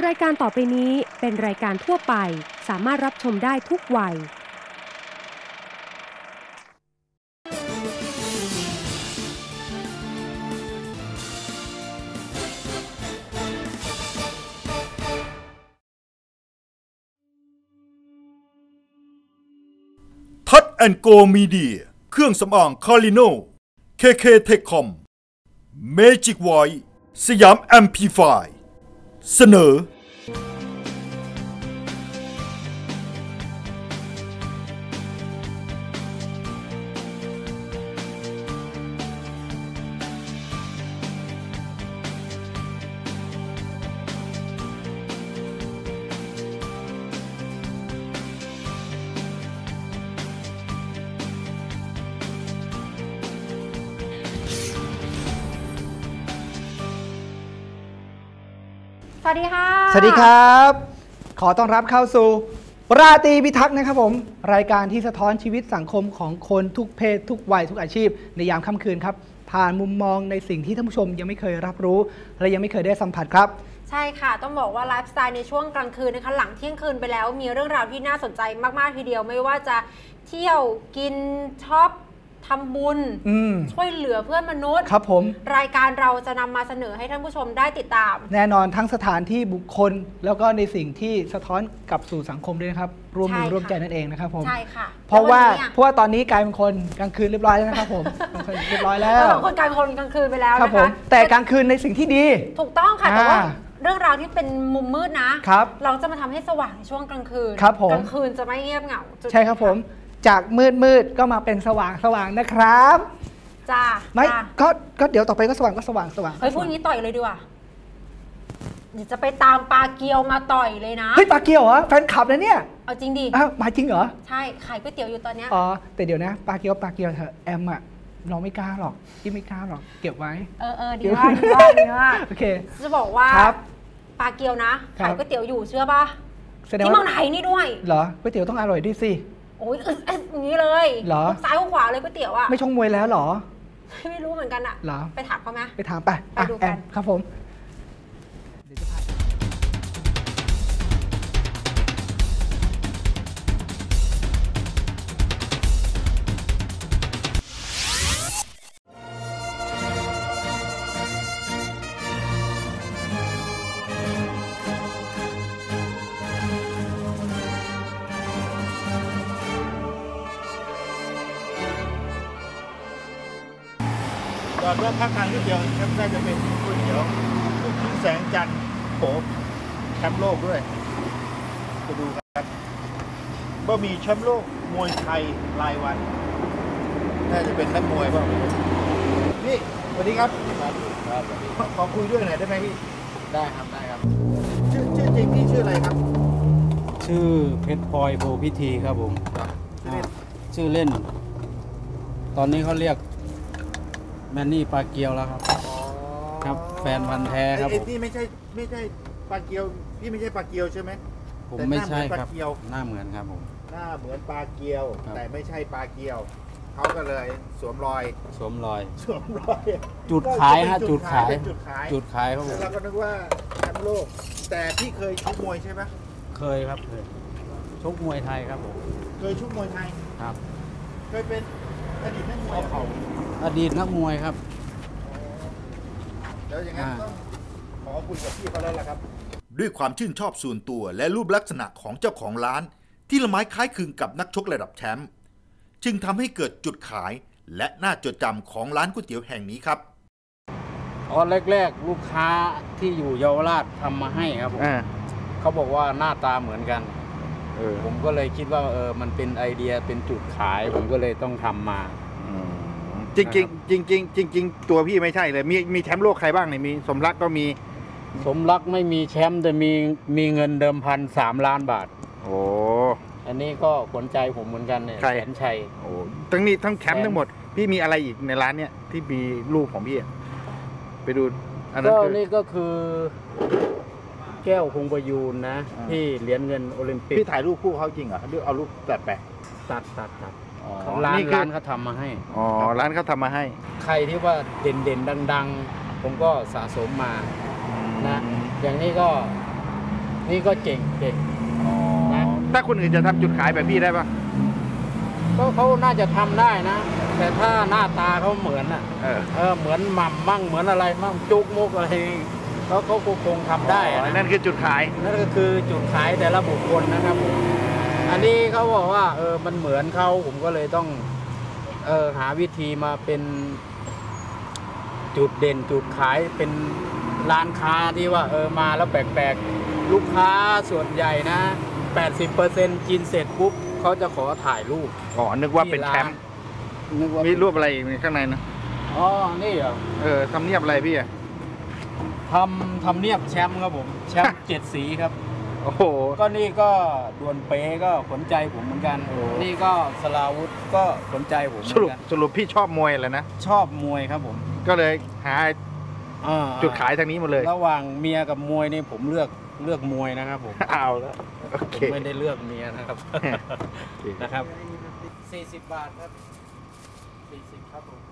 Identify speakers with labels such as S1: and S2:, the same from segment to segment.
S1: รายการต่อไปนี้เป็นรายการทั่วไปสามารถรับชมได้ทุกวัย
S2: ทัดแอนโกมีเดียเครื่องสำอางคาริโนKK Techcom Magic Voice สยามแอมพลิฟายเสนอ
S3: สวัสดีค่ะ
S4: สวัสดีครับขอต้อนรับเข้าสู่ราตรีพิทักษ์นะครับผมรายการที่สะท้อนชีวิตสังคมของคนทุกเพศทุกวัยทุกอาชีพในยามค่ำคืนครับผ่านมุมมองในสิ่งที่ท่านผู้ชมยังไม่เคยรับรู้และยังไม่เคยได้สัมผัสครับ
S3: ใช่ค่ะต้องบอกว่าไลฟ์สไตล์ในช่วงกลางคืนนะคะหลังเที่ยงคืนไปแล้วมีเรื่องราวที่น่าสนใจมากๆทีเดียวไม่ว่าจะเที่ยวกินช็อปทำบุญช่วยเหลือเพื่อนมนุษย์
S4: ครับผม
S3: รายการเราจะนำมาเสนอให้ท่านผู้ชมได้ติดตาม
S4: แน่นอนทั้งสถานที่บุคคลแล้วก็ในสิ่งที่สะท้อนกลับสู่สังคมด้วยนะครับร่วมมือร่วมใจนั่นเองนะครับผม
S3: ใช่ค่ะ
S4: เพราะว่าตอนนี้กลายเป็นคนกลางคืนเรียบร้อยแล้วนะครับผมเรียบร้อยแล้ว
S3: คนกลายเป็นคนกลางคืนไปแล้ว
S4: ครับผมแต่กลางคืนในสิ่งที่ดี
S3: ถูกต้องค่ะแต่ว่าเรื่องราวที่เป็นมุมมืดนะครับเราจะมาทำให้สว่างในช่วงกลางคืน
S4: ครับผม
S3: กลางคืนจะไม่เงียบเหงา
S4: ใช่ครับผมจากมืดก็มาเป็นสว่างนะครับ
S3: จ้า
S4: ไม่ก็เดี๋ยวต่อไปก็สว่าง
S3: เฮ้ยพูดงี้ต่อยเลยดีกว่าเดี๋ยวจะไปตามปลาเกียวมาต่อยเลยนะ
S4: เฮ้ยปลาเกียวเหรอแฟนคลับนะเนี่ย
S3: เอาจริงดิ
S4: มาจริงเหรอ
S3: ใช่ขายก๋วยเตี๋ยวอยู่ตอนเนี้ย
S4: อ๋อแต่เดี๋ยวนะปลาเกียวเถอะแอมอะเราไม่กล้าหรอกที่ไม่กล้าหรอกเก็บไว้
S3: ดีว่า
S4: โอเค
S3: จะบอกว่าปลาเกียวนะขายก๋วยเตี๋ยวอยู่เชื่อป่ะที่เมืองไทยนี่ด้วย
S4: เหรอก๋วยเตี๋ยวต้องอร่อยด้วยสิ
S3: โอ้ยอย่างนี้เลย
S4: เหรอ
S3: ซ้ายขวาเลยก๋วยเตี๋ยวอะ
S4: ไม่ชงมวยแล้วเหรอ
S3: ไม่รู้เหมือนกันอะ
S4: เหรอ
S3: ไปถามเขาไหม
S4: ไปถามไป
S3: ดูกัน
S4: ครับผม
S2: จอดรถพักทางนิดเดียวครับน่าจะเป็นก๋วยเตี๋ยวลูกชิ้นแสงจันทร์โหแชมป์โลกด้วยไปดูครับบะหมี่แชมป์โลกมวยไทยรายวันน่าจะเป็นนักมวยบ้างพี่สวัสดีครับขอคุยด้วยหน่อยได้ไหมพี่
S5: ได้ครับ
S2: ชื่อจริงพี่ชื่ออะไรครับ
S5: ชื่อเพชรพลอยโพพิธีครับผมชื่อเล่นตอนนี้เขาเรียกแมนนี่ปลาเกียวแล้วครับครับแฟนพันธุ์แท้ครับ
S2: พี่ไม่ใช่ปลาเกียวพี่ไม่ใช่ปลาเกียวใช่ไหม
S5: ผมไม่ใช่ครับหน้าเหมือนครับผม
S2: หน้าเหมือนปลาเกียวแต่ไม่ใช่ปลาเกียวเขาก็เลยสวมรอย
S5: จุดขายฮะจุดขายครับผม
S2: เราก็นึกว่าแชมป์โลกแต่พี่เคยชกมวยใช่ไหม
S5: เคยครับเคยชกมวยไทยครับผม
S2: เคยชกมวยไทย
S5: ครับ
S2: เคยเป็นอดีตนักมวย
S5: อดีตนักมวยครับ
S2: แล้วอย่างนั้นต้องขอคุยกับพี่เขาแล้วล่ะครับด้วยความชื่นชอบส่วนตัวและรูปลักษณะของเจ้าของร้านที่ละไม้คล้ายคลึงกับนักชกระดับแชมป์จึงทำให้เกิดจุดขายและน่าจดจำของร้านก๋วยเตี๋ยวแห่งนี้ครับ
S5: แรกลูกค้าที่อยู่เยาวราชทำมาให้ครับผมเขาบอกว่าหน้าตาเหมือนกันผมก็เลยคิดว่ามันเป็นไอเดียเป็นจุดขายผมก็เลยต้องทำมา
S2: จริงตัวพี่ไม่ใช่เลยมีแชมป์โลกใครบ้างเนี่ยมีสมรักก็มี
S5: สมรักไม่มีแชมป์แต่มีเงินเดิมพัน3 ล้านบาท
S2: โอ้
S5: อันนี้ก็ขนใจผมเหมือนกันเนี่ยแสนชัย
S2: โอ้ทั้งแชมป์ทั้งหมดพี่มีอะไรอีกในร้านเนี่ยที่มีรูปของพี่ไปดู
S5: อันนั้นนี่ก็คือแก้วคงประยูนนะที่เหรียญเงินโอลิมปิก
S2: พี่ถ่ายรูปคู่เขาจริงเหรอหรือเอารูปตัด
S5: ร้านเขาทำมาให้
S2: ร้านเขาทำมาให้
S5: ใครที่ว่าเด่นดังๆผมก็สะสมมานะอย่างนี้ก็นี่ก็เก่งนะ
S2: ถ้าคนอื่นจะทำจุดขายแบบพี่ได้ปะ
S5: ก็เขาน่าจะทำได้นะ แต่ถ้าหน้าตาเขาเหมือนอ่ะเหมือนหม่ำมั่งเหมือนอะไรมั่งจุกมุกอะไรเขาคงทำได้นะ
S2: นั่นคือจุดขาย
S5: นั่นก็คือจุดขายแต่ละบุคคลนะครับผมอันนี้เขาบอกว่ามันเหมือนเขาผมก็เลยต้องหาวิธีมาเป็นจุดเด่นจุดขายเป็นร้านค้าที่ว่ามาแล้วแปลกๆลูกค้าส่วนใหญ่นะ 80% กินเสร็จปุ๊บเขาจะขอถ่ายรูป
S2: นึกว่าเป็นแคมป์มีรูปอะไรอีกข้างในนะ
S5: นี่เหรอ
S2: ทำเนียบอะไรพี่อะ
S5: ทำเนียบแชมป์ครับผมแชมป์7 สีครับ
S2: โอ้โห
S5: ก็นี่ก็ดวลเป๊ก็ขนใจผมเหมือนกันนี่ก็สลาวุธก็ขนใจผมเหมือนกัน
S2: สรุปพี่ชอบมวยอะไรนะ
S5: ชอบมวยครับผม
S2: ก็เลยหาจุดขายทางนี้หมดเลย
S5: ระหว่างเมียกับมวยนี่ผมเลือกมวยนะครับผม
S2: เอาแล้ว
S5: ผมไม่ได้เลือกเมียนะครับนะครับ40 บาทครับ40ครับผม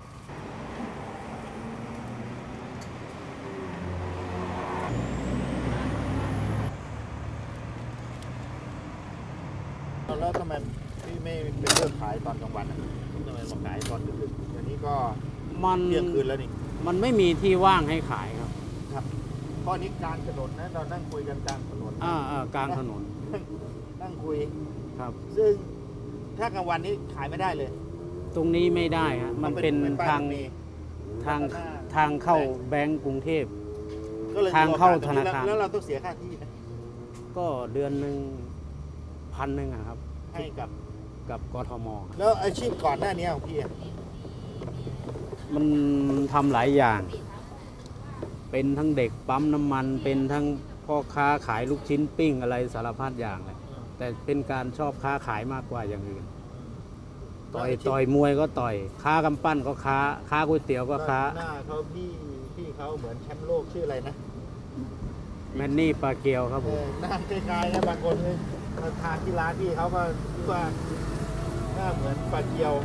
S2: แล้วทำไมพี่ไม่เป็นเลือกขายตอนกลางวันทำไมมาขายตอนดึกๆอันนี้ก็เที่ยงคืนแล้วนี่
S5: มันไม่มีที่ว่างให้ขายครับ
S2: เพราะนี้กลางถนนนะเรานั่งคุยกันกลางถนน
S5: กลางถนน
S2: นั่งคุย
S5: ครับ
S2: ซึ่งถ้ากลางวันนี้ขายไม่ได้เลย
S5: ตรงนี้ไม่ได้ฮะมันเป็นทางเข้าแบงก์กรุงเทพทางเข้าธนาคาร
S2: แล้วเราต้องเสียค่าที่นะ
S5: ก็เดือนหนึ่ง1,000ครับ
S2: ให้
S5: กับกทม
S2: แล้วอาชีพก่อนหน้านี้ของพี่
S5: มันทำหลายอย่างเป็นทั้งเด็กปั๊มน้ำมันเป็นทั้งพ่อค้าขายลูกชิ้นปิ้งอะไรสารพัดอย่างเลยแต่เป็นการชอบค้าขายมากกว่าอย่างอื่นต่อยมวยก็ต่อยค้ากำปั้นก็ค้าก๋วยเตี๋ยวก็ค้า
S2: หน้าเขาพี่เขาเหมือนแชมป์โลกชื่ออะไรนะ
S5: แมนนี่ปาเกียวครับผม
S2: หน้าคล้ายๆนะบางคนมาทานที่ร้านพี่เขาก็คิดว่าหน้าเหมือนปาเกียว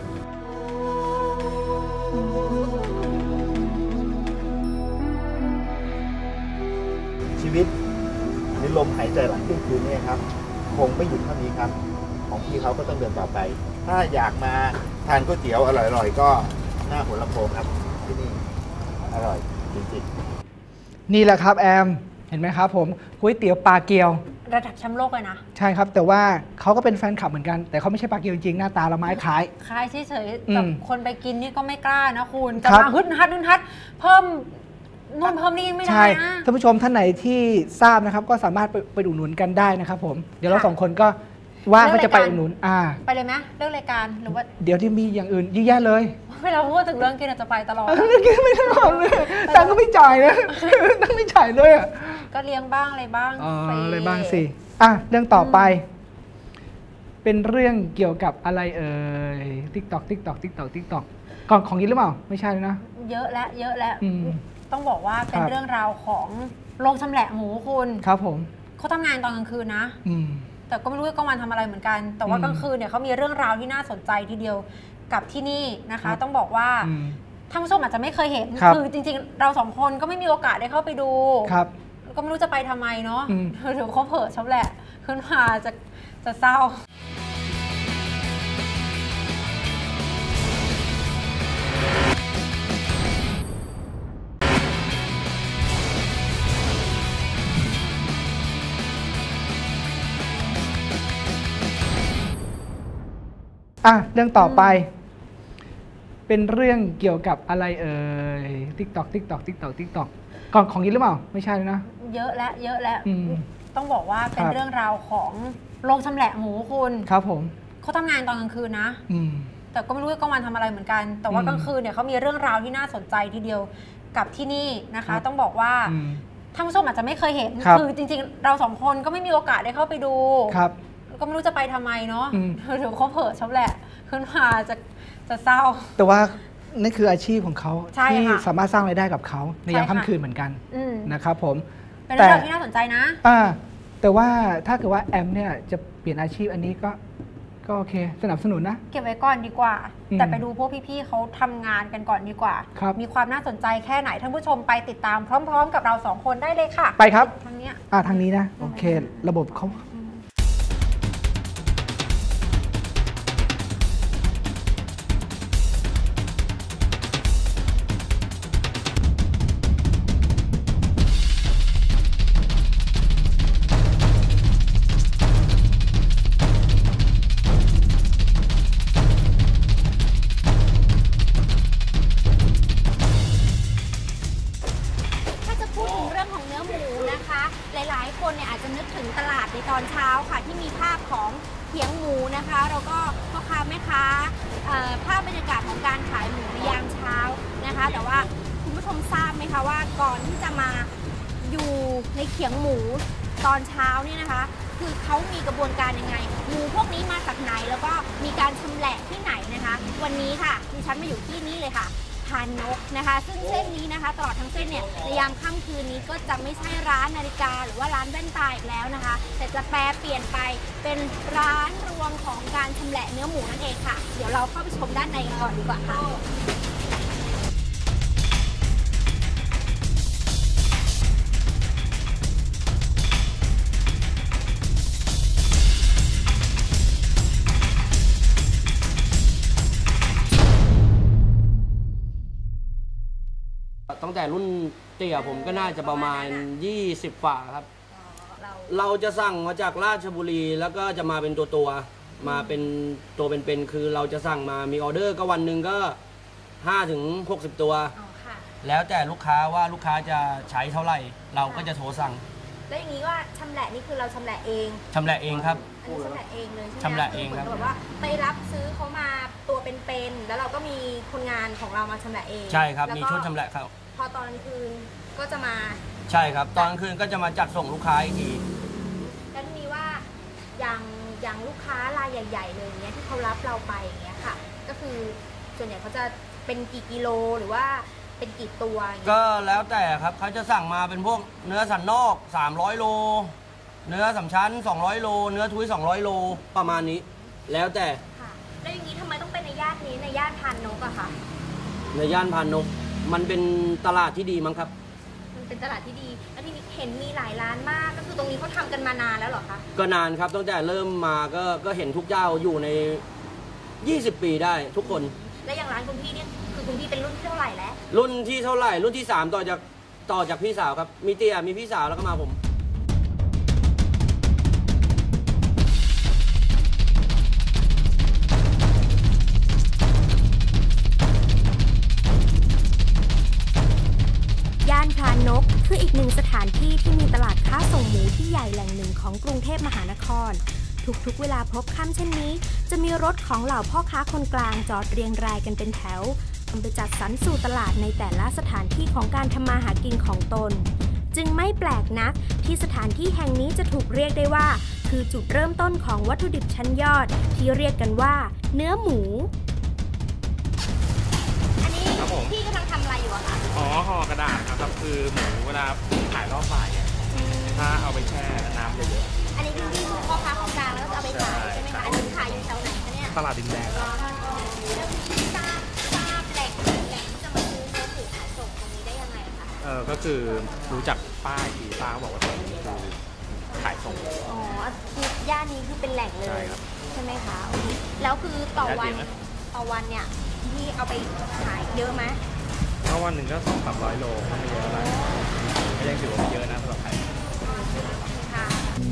S2: ชีวิตหรือลมหายใจหลังเที่ยงคืนนี่ครับคงไม่หยุดเท่านี้ครับของพี่เขาก็ต้องเดินต่อไปถ้าอยากมาทานก๋วยเตี๋ยวอร่อยๆก็หน้าหัวลำโพงครับที่นี่อร่อยจริง
S4: ๆนี่แหละครับแอมเห็นไหมครับผมก๋วยเตี๋ยวปลาเกียว
S3: ระดับแชมป์โลกเลยนะ
S4: ใช่ครับแต่ว่าเขาก็เป็นแฟนคลับเหมือนกันแต่เขาไม่ใช่ปลาเกียวจริงหน้าตาละไม้คล้าย
S3: เฉยๆแต่คนไปกินนี่ก็ไม่กล้านะคุณจะมาฮึดฮัดเพิ่มนู่นเพิ่มนี่ไม่ได้นะ
S4: ท่านผู้ชมท่านไหนที่ทราบนะครับก็สามารถไปอุดหนุนกันได้นะครับผมเดี๋ยวเรา2 คนก็ว่าก็จะไปอุดหนุน
S3: ไปเลยไหมเรื่องรายการหรือว่า
S4: เดี๋ยวที่มีอย่างอื่นยิ่งแย่เลย
S3: เวลาพูดถึงเรื่องกินอาจจะไปตลอด
S4: กินไม่ตลอดเลยตังก็ไม่จ่ายนะตังไม่จ่ายเลย
S3: ก็เลี้ยงบ้างอะไรบ้าง
S4: อะไรบ้างสิเรื่องต่อไปเป็นเรื่องเกี่ยวกับอะไรTikTok ของกินหรือเปล่าไม่ใช่นะ
S3: เยอะแล้วต้องบอกว่าเป็นเรื่องราวของโรงชำแหละหมูคุณ
S4: ครับผม
S3: เขาทำงานตอนกลางคืนนะแต่ก็ไม่รู้ว่ากลางวันทำอะไรเหมือนกันแต่ว่ากลางคืนเนี่ยเขามีเรื่องราวที่น่าสนใจทีเดียวกับที่นี่นะคะต้องบอกว่าท่านผู้ชมอาจจะไม่เคยเห็นคือจริงๆเรา2 คนก็ไม่มีโอกาสได้เข้าไปดูก็ไม่รู้จะไปทำไมเนาะเดี๋ยวเขาเผลอชำแหละขึ้นมาจะเศร้า
S4: เรื่องต่อไปเป็นเรื่องเกี่ยวกับอะไรTikTok ของกินหรือเปล่าไม่ใช่นะ
S3: เยอะแล้วต้องบอกว่าเป็นเรื่องราวของโรงชำแหละหมูคุณ
S4: ครับผม
S3: เขาทำงานตอนกลางคืนนะแต่ก็ไม่รู้ว่ากลางวันทำอะไรเหมือนกันแต่ว่ากลางคืนเนี่ยเขามีเรื่องราวที่น่าสนใจทีเดียวกับที่นี่นะคะต้องบอกว่าท่านผู้ชมอาจจะไม่เคยเห็นคือจริงๆเรา2 คนก็ไม่มีโอกาสได้เข้าไปดูก็ไม่รู้จะไปทำไมเนาะเดี๋ยวเขาเผลอชำแหละขึ้นมาจะเศร้า
S4: แต่ว่านี่คืออาชีพของเขาที่สามารถสร้างรายได้กับเขาในยามค่ำคืนเหมือนกันนะครับผม
S3: เป็นเรื่องที่น่าสนใจนะ
S4: แต่ว่าถ้าเกิดว่าแอมเนี่ยจะเปลี่ยนอาชีพอันนี้ก็โอเคสนับสนุนนะ
S3: เก็บไว้ก่อนดีกว่าแต่ไปดูพวกพี่ๆเขาทำงานกันก่อนดีกว่ามีความน่าสนใจแค่ไหนท่านผู้ชมไปติดตามพร้อมๆกับเรา2 คนได้เลยค่ะ
S4: ไปครับ
S3: ทางเนี้ย
S4: ทางนี้นะโอเคระบบเขา
S6: หลายๆคนเนี่ยอาจจะนึกถึงตลาดในตอนเช้าค่ะที่มีภาพของเขียงหมูนะคะแล้วก็พ่อค้าแม่ค้าภาพบรรยากาศของการขายหมูในยามเช้านะคะแต่ว่าคุณผู้ชมทราบไหมคะว่าก่อนที่จะมาอยู่ในเขียงหมูตอนเช้าเนี่ยนะคะคือเขามีกระบวนการยังไงหมูพวกนี้มาจากไหนแล้วก็มีการชำแหละที่ไหนนะคะวันนี้ค่ะดิฉันมาอยู่ที่นี่เลยค่ะพานนกนะคะซึ่งเส้นนี้นะคะตลอดทั้งเส้นเนี่ยในยามค่ำคืนนี้ก็จะไม่ใช่ร้านนาฬิกาหรือว่าร้านแว่นตาอีกแล้วนะคะแต่จะแปลเปลี่ยนไปเป็นร้านรวงของการชำแหละเนื้อหมูนั่นเองค่ะเดี๋ยวเราเข้าไปชมด้านในกันก่อนดีกว่าค่ะ
S7: ตั้งแต่รุ่นเตี่ยผมก็น่าจะประมาณ20ฝ่าครับเราจะสั่งมาจากราชบุรีแล้วก็จะมาเป็นตัวมาเป็นตัวเป็นคือเราจะสั่งมามีออเดอร์ก็วันหนึ่งก็5 ถึง 60 ตัวแล้วแต่ลูกค้าว่าลูกค้าจะใช้เท่าไหร่เราก็จะโทรสั่ง
S6: แล้วอย่างนี้ว่าชำแหละนี่คือเราชำแหละเอง
S7: ชำแหละเองครับ
S6: อันนี้ชำแหละเองเลยใช่ไหม
S7: ชำแหละเองครับ
S6: แบบว่าไปรับซื้อเขามาตัวเป็นๆแล้วเราก็มีคนงานของเรามาชำแหละเอง
S7: ใช่ครับมีชุดชำแหละครับ
S6: พอตอนกลางคืนก็จะมา
S7: ใช่ครับตอนกลางคืนก็จะมาจัดส่งลูกค้าอีกที
S6: แล้วทีนี้ว่าอย่างลูกค้ารายใหญ่ๆเลยเนี้ยที่เขารับเราไปอย่างเงี้ยค่ะก็คือส่วนใหญ่เขาจะเป็นกี่กิโลหรือว่าเป็นกี่ตัว
S7: ก็แล้วแต่ครับเขาจะสั่งมาเป็นพวกเนื้อสันนอก300 โลเนื้อสามชั้น200 โลเนื้อทุย200 โลประมาณนี้แล้วแต่
S6: ค่ะแล้วอย่างนี้ทำไมต้องเป็นในย่านนี้ในย่านพานนกอะค่ะ
S7: ในย่านพานนกมันเป็นตลาดที่ดีมั้งครับ
S6: มันเป็นตลาดที่ดีแล้วที่เห็นมีหลายร้านมากก็คือตรงนี้เขาทำกันมานานแล้วเหรอคะ
S7: ก็นานครับตั้งแต่เริ่มมาก็เห็นทุกเจ้าอยู่ใน20 ปีได้ทุกคน
S6: และอย่างร้านคุณพี่เนี่ยคือคุณพี่เป็นรุ่นที่เท่าไหร่แล้ว
S7: รุ่นที่เท่าไหร่รุ่นที่3ต่อจากพี่สาวครับมีเตี่ยมีพี่สาวแล้วก็มาผม
S6: ย่านพานนกคืออีกหนึ่งสถานที่ที่มีตลาดค้าส่งหมูที่ใหญ่แหล่งหนึ่งของกรุงเทพมหานครทุกๆเวลาพบค่ำเช่นนี้จะมีรถของเหล่าพ่อค้าคนกลางจอดเรียงรายกันเป็นแถวนำไปจัดสรรสู่ตลาดในแต่ละสถานที่ของการทำมาหากินของตนจึงไม่แปลกนักที่สถานที่แห่งนี้จะถูกเรียกได้ว่าคือจุดเริ่มต้นของวัตถุดิบชั้นยอดที่เรียกกันว่าเนื้อหมูอันนี้พี่กำลังทำอะไรอยู่อะคะ
S8: อ๋อห่อกระดาษครับคือหมูเวลาขายรอบบ่ายเนี่ยถ้าเอาไปแช่น้ำเยอะ
S6: ๆอันนี้คือพี่พ่อค้าคนกลางแล้วก็เอาไปขายใช่ไหมคะอันนี้ขายอยู่แถวไหนคะเนี่ย
S8: ตลาดดินแดง
S6: แล้วพี่ทราบแหล่งที่จะมาซื้อเนื้อหมูขายส่งตรงนี้ได้ยังไงคะ
S8: ก็คือรู้จักป้ายที่ป้าเขาบอกว่าตรงนี้คือขายส่ง
S6: อ๋อย่านนี้คือเป็นแหล่งเลยใช่ไหมคะแล้วคือต่อวันเนี่ยพี่เอาไปขายเยอะไหม
S8: ก็วันหนึ่งก็200-300 โลไม่เยอะอะไรก็ยังถือว่าไม่เยอะนะสำหรับใคร
S6: ค่ะ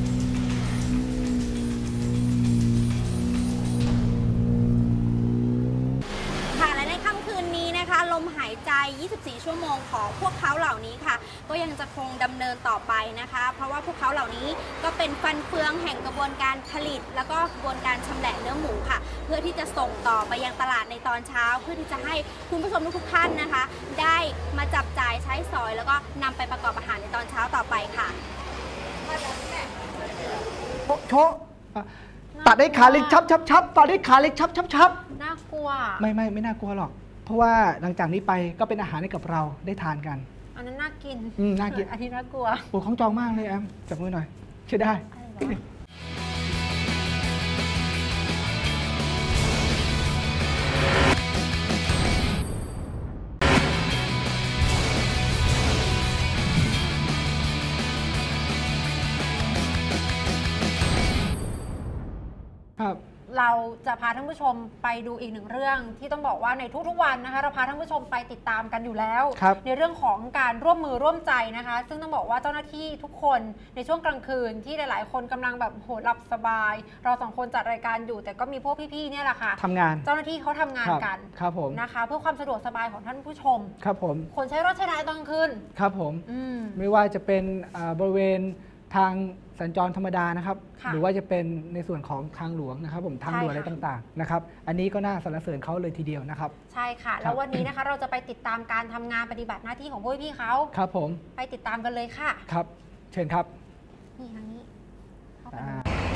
S6: และในค่ำคืนนี้นะคะลมหายใจ24 ชั่วโมงของพวกเขาเหล่านี้ค่ะก็ยังจะคงดำเนินต่อไปนะคะเพราะว่าพวกเขาเหล่านี้ก็เป็นฟันเฟืองแห่งกระบวนการผลิตแล้วก็กระบวนการชำแหละเนื้อหมูค่ะเพื่อที่จะส่งต่อไปยังตลาดในตอนเช้าเพื่อที่จะให้คุณผู้ชมทุกท่านนะคะได้มาจับจ่ายใช้สอยแล้วก็นำไปประกอบอาหารในตอนเช้าต่อไปค่ะ
S4: โชตัดได้ขาเล็กชับตัดได้ขาเล็กชับ
S3: น่ากลัว
S4: ไม่น่ากลัวหรอกเพราะว่าหลังจากนี้ไปก็เป็นอาหารให้กับเราได้ทานกัน
S3: อันนั้นน่ากิน
S4: น่ากิน
S3: อันนี้น่ากลัว
S4: โอ้ของจองมากเลยแอมจับมือหน่อยใช่ได้ครับ
S3: เราจะพาท่านผู้ชมไปดูอีกหนึ่งเรื่องที่ต้องบอกว่าในทุกๆวันนะคะเราพาท่านผู้ชมไปติดตามกันอยู่แล้วในเรื่องของการร่วมมือร่วมใจนะคะซึ่งต้องบอกว่าเจ้าหน้าที่ทุกคนในช่วงกลางคืนที่หลายๆคนกำลังแบบโหหลับสบายเราสองคนจัดรายการอยู่แต่ก็มีพวกพี่ๆเนี่ยแหละค่ะ
S4: ทำงาน
S3: เจ้าหน้าที่เขาทำงานกัน
S4: ครับผม
S3: นะคะเพื่อความสะดวกสบายของท่านผู้ชม
S4: ครับผม
S3: คนใช้รถใช้ถนนตอนกลางคืน
S4: ครับผมไม่ว่าจะเป็นบริเวณทางสัญจรธรรมดานะครับหรือว่าจะเป็นในส่วนของทางหลวงนะครับผมทางด่วนอะไรต่างๆนะครับอันนี้ก็น่าสรรเสริญเขาเลยทีเดียวนะครับ
S3: ใช่ค่ะแล้ววันนี้นะคะเราจะไปติดตามการทำงานปฏิบัติหน้าที่ของพวกพี่เขา
S4: ครับผม
S3: ไปติดตามกันเลยค่ะ
S4: ครับเชิญครับ
S3: นี่ทางนี้เข้าไป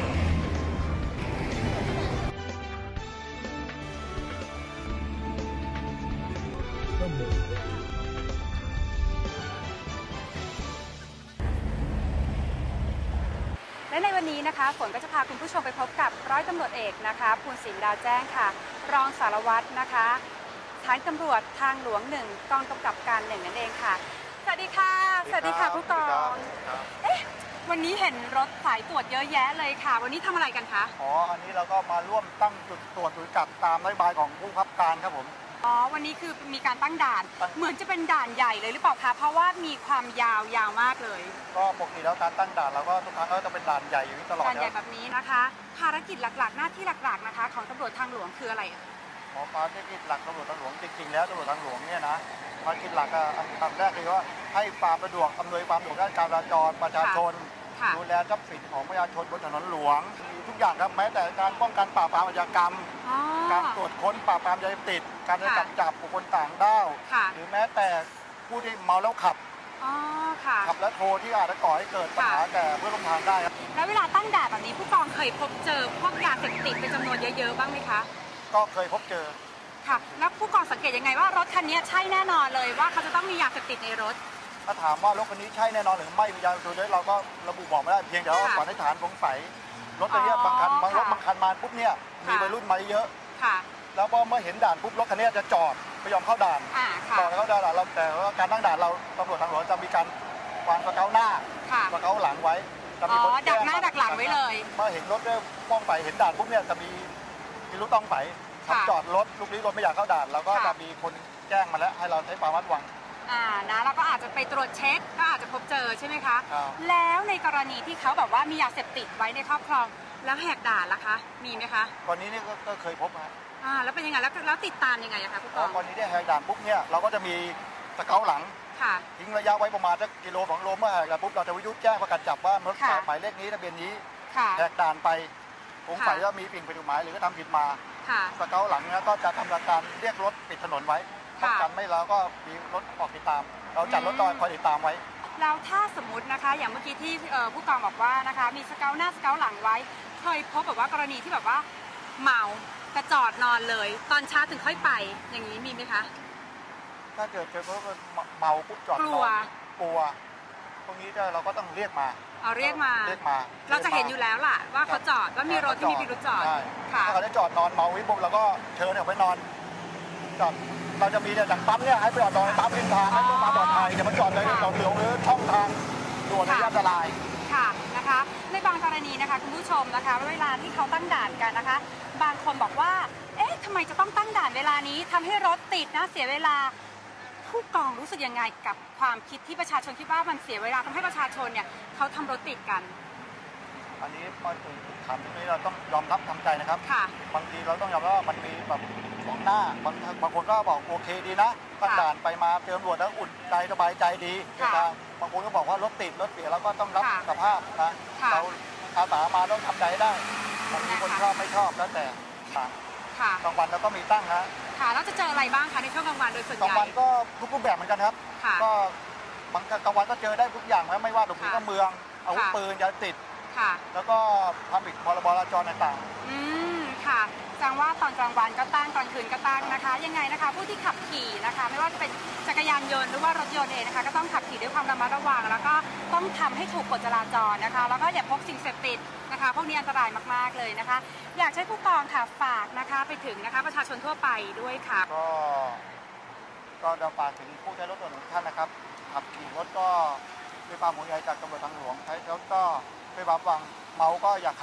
S9: และในวันนี้นะคะฝนก็จะพาคุณผู้ชมไปพบกับร้อยตำรวจเอกนะคะภูลศิลป์ดาวแจ้งค่ะรองสารวัตรนะคะสถานีตำรวจทางหลวง1กองกำกับการ1นั่นเองค่ะสวัสดีค่ะสวัสดีค่ะผู้กองวันนี้เห็นรถสายตรวจเยอะแยะเลยค่ะวันนี้ทำอะไรกันคะ
S2: อันนี้เราก็มาร่วมตั้งจุดตรวจจุดจับตามนโยบายของผู้บังคับการครับผม
S9: วันนี้คือมีการตั้งด่านเหมือนจะเป็นด่านใหญ่เลยหรือเปล่าคะเพราะว่ามีความยาวมากเลย
S2: ก็ปกติแล้วการตั้งด่านเราก็ทุกครั้งก็จะเป็นด่านใหญ่อยู่ตลอด
S9: ด่านใหญ่แบบนี้นะคะภารกิจหลักๆหน้าที่หลักๆนะคะของตำรวจทางหลวงคืออะไร
S2: ภารกิจหลักตำรวจทางหลวงจริงๆแล้วตำรวจทางหลวงเนี่ยนะภารกิจหลักอันดับแรกคือว่าให้ความสะดวกอำนวยความสะดวกด้านการจราจรประชาชนดูแลทรัพย์สินของประชาชนบนถนนหลวงมีทุกอย่างครับแม้แต่การป้องกันปราบปรามอาชญากรรมการตรวจค้นปราบปรามยาเสพติดการจับบุคคลต่างด้าวหรือแม้แต่ผู้ที่เมาแล้วขับขับและโทรที่อาจจะก่อให้เกิดปัญหาแก่เพื่อนร่วมทางได้ครับ
S9: แล้วเวลาตั้งด่านแบบนี้ผู้กองเคยพบเจอพวกยาเสพติดเป็นจำนวนเยอะๆบ้างไหมคะ
S2: ก็เคยพบเจอ
S9: ค่ะแล้วผู้กองสังเกตยังไงว่ารถคันนี้ใช่แน่นอนเลยว่าเขาจะต้องมียาเสพติดในรถ
S2: ถ้าถามว่ารถคันนี้ใช่แน่นอนหรือไม่มียาเสพติดเราก็ระบุบอกไม่ได้เพียงแต่ว่าสันนิษฐานสงสัยรถคันนี้บางคันรถบางคันมาปุ๊บเนี่ยมีวัยรุ่นมาเยอะแล้วพอเมื่อเห็นด่านปุ๊บรถคันนี้จะจอดไม่ยอมเข้าด่านจอดเข้าด่านเราแต่ว่าการตั้งด่านเราตำรวจทางหลวงจะมีการวางสเกาหน้าสเกาหลังไว้
S9: จะมีคนดักหน้าดักหลังไว้เลย
S2: เมื่อเห็นรถต้องไปเห็นด่านปุ๊บเนี่ยจะมีรถต้องไปจอดรถลูกนี้รถไม่อยากเข้าด่านเราก็จะมีคนแจ้งมาแล้วให้เราใช้ความระมัดระวัง
S9: นะเราก็อาจจะไปตรวจเช็คก็อาจจะพบเจอใช่ไหมคะแล้วในกรณีที่เขาแบบว่ามียาเสพติดไว้ในครอบครองแล้วแหกด่านล่ะคะมีไหมคะ
S2: กรณีนี้ก็เคยพบมา
S9: แล้วเป็นยังไงแล้วติดตามยังไงคะผู้กอง
S2: กรณีที่แหกด่านปุ๊บเนี่ยเราก็จะมีสเกาหลังทิ้งระยะไว้ประมาณสักกิโล2 โลเมื่อแหกด่านปุ๊บเราจะวิทยุแจ้งประกาศจับว่ารถหมายเลขนี้ทะเบียนนี้แหกด่านไปสงสัยว่ามีสิ่งผิดกฎหมายหรือก็ทำผิดมาสเกาหลังนี้ก็จะทำการเรียกรถปิดถนนไว้ป้องกันไม่แล้วก็มีรถออกติดตามเราจัดรถคอยติดตามไว้
S9: แล้วถ้าสมมตินะคะอย่างเมื่อกี้ที่ผู้กองบอกว่านะคะมีสเกาหน้าสเกาหลังไว้เคยพบแบบว่ากรณีที่แบบว่าเมาแต่จอดนอนเลยตอนเช้าถึงค่อยไปอย่างนี้มีไหมคะ
S2: ถ้าเกิดเพราะเมาปุ๊บจอดนอนกลัวพวกนี้เราก็ต้องเรียกมา
S9: เรียกมาเราจะเห็นอยู่แล้วล่ะว่าเขาจอดว่ามีรถที่มีพิรุธจอด
S2: ถ้าเขาได้จอดนอนเมาวิปุ๊บเราก็เชิญเขาไปนอนจอดเราจะมีเนี่ยจากปั๊มเนี่ยให้ไปจอดนอนปั๊มริมทางให้ผู้มาปลอดภัยจะมาจอดเลยเราเหลือหรือช่องทางด่วนอันตราย
S9: ค่ะนะคะในบางกรณีนะคะคุณผู้ชมนะคะเวลาที่เขาตั้งด่านกันนะคะบางคนบอกว่าเอ๊ะทำไมจะต้องตั้งด่านเวลานี้ทำให้รถติดนะเสียเวลาผู้กองรู้สึกยังไงกับความคิดที่ประชาชนคิดว่ามันเสียเวลาทำให้ประชาชนเนี่ยเขาทำรถติดกัน
S2: อันนี้พอถึงถามตรงนี้เราต้องยอมรับทำใจนะครับบางทีเราต้องยอมรับว่ามันมีแบบของหน้าบางคนก็บอกโอเคดีนะตั้งด่านไปมาเจอตำรวจแล้วอุ่นใจสบายใจดีแต่บางคนก็บอกว่ารถติดรถเสียเราก็ต้องรับสภาพนะเราอาสามาต้องทำใจได้บางทีคนชอบไม่ชอบแล้วแต่กลางวันเราก็มีตั้งฮะ
S9: แล้วจะเจออะไรบ้างคะในช่วงกลางวันโดยส่วนใหญ่
S2: กลางวันก็ทุกรูปแบบเหมือนกันครับก็บางกลางวันก็เจอได้ทุกอย่างไม่ว่าหลบหนีเข้าเมืองอาวุธปืนยาติดแล้วก็ความผิดพรบจราจรต่าง
S9: ๆค่ะแสดงว่าตอนกลางวันก็ตั้งตอนคืนก็ตั้งนะคะยังไงนะคะผู้ที่ขับขี่นะคะไม่ว่าจะเป็นจักรยานยนต์หรือว่ารถยนต์เองนะคะก็ต้องขับขี่ด้วยความระมัดระวังแล้วก็ต้องทำให้ถูกกฎจราจรนะคะแล้วก็อย่าพกสิ่งเสพติดนะคะพวกนี้อันตรายมากๆเลยนะคะอยากให้ผู้กองค่ะฝากนะคะไปถึงนะคะประชาชนทั่วไปด้วยค่ะ
S2: ก็จะฝากถึงผู้ใช้รถยนต์ทุกท่านนะครับขับขี่รถก็ด้วยความห่วงใยจากตำรวจทางหลวงใช้รถก็ด้วยความระวังเมาก็อย่าขับ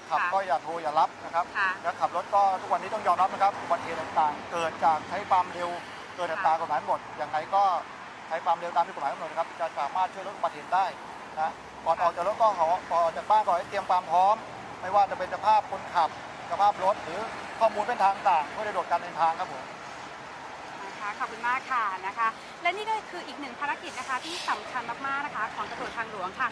S10: ขับก็อย่าโทรอย่ารับนะครับแล้วขับรถก็ทุกวันนี้ต้องยอมรับนะครับอุบัติเหตุต่างๆเกิดจากใช้ความเร็วเกิดอัตรากฎหมายหมดยังไงก็ใช้ความเร็วตามที่กฎหมายกำหนดนะครับจะสามารถช่วยลดอุบัติเหตุได้นะก่อนออกจากรถก็ก่อนออกจากบ้านก็ให้เตรียมความพร้อมไม่ว่าจะเป็นสภาพคนขับสภาพรถหรือข้อมูลเส้นทางต่างเพื่อสะดวกการเดินทางครับผม
S9: ขอบคุณมากค่ะนะคะ และนี่ก็คืออีกหนึ่งภารกิจนะคะที่สำคัญมากๆนะคะของตำรวจทางหลวงค่ะ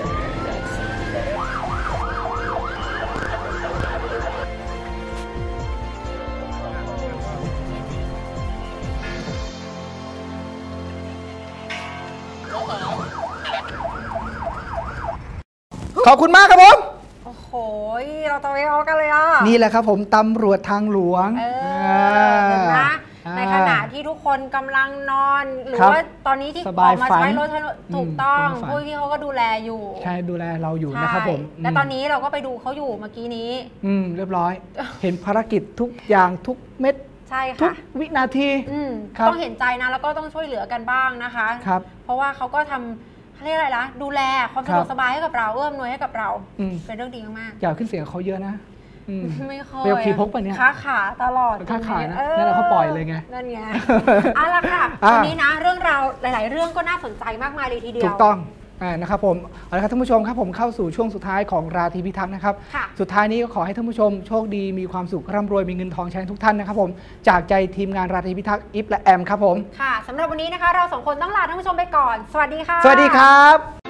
S4: ขอบคุณมากครับผม
S3: โอ้โหเราตะเวนออกกันเลยอ่ะ
S4: นี่แหละครับผมตำรวจทางหลวง
S3: เห็นไหมในขณะที่ทุกคนกำลังนอนหรือว่าตอนนี้ที่ออกมาใช้รถถูกต้องผู้ที่เขาก็ดูแลอยู่
S4: ใช่ดูแลเราอยู่นะครับผม
S3: และตอนนี้เราก็ไปดูเขาอยู่เมื่อกี้นี้
S4: เรียบร้อยเห็นภารกิจทุกอย่างทุกเม็ด
S3: ใช่ค่ะ
S4: ทุกวินาที
S3: ต้องเห็นใจนะแล้วก็ต้องช่วยเหลือกันบ้างนะคะเพราะว่าเขาก็ทำเรียกอะไรล่ะดูแลความสะดวกสบายให้กับเราเอื้อมหน่วยให้กับเราเป็นเรื่องดีมาก
S4: อย่าขึ้นเสียงเขาเยอะนะ
S3: ไม่เคย
S4: เรียกขี่พกไปเนี่ย
S3: ค้าขาตลอด
S4: ค้าขานะนั่นแหละเขาปล่อยเลยไง
S3: นั่นไงเอาล่ะค่ะวันนี้นะเรื่องราวหลายๆเรื่องก็น่าสนใจมากมายเลยทีเดียว
S4: ถูกต้องนะครับผมเอาละครับท่านผู้ชมครับผมเข้าสู่ช่วงสุดท้ายของราตรีพิทักษ์นะครับสุดท้ายนี้ก็ขอให้ท่านผู้ชมโชคดีมีความสุขร่ำรวยมีเงินทองใช้ทุกท่านนะครับผมจากใจทีมงานราตรีพิทักษ์อิฟและแอมครับผม
S3: ค่ะสำหรับวันนี้นะคะเราสองคนต้องลาท่านผู้ชมไปก่อนสวัสดีค่ะ
S4: สวัสดีครับ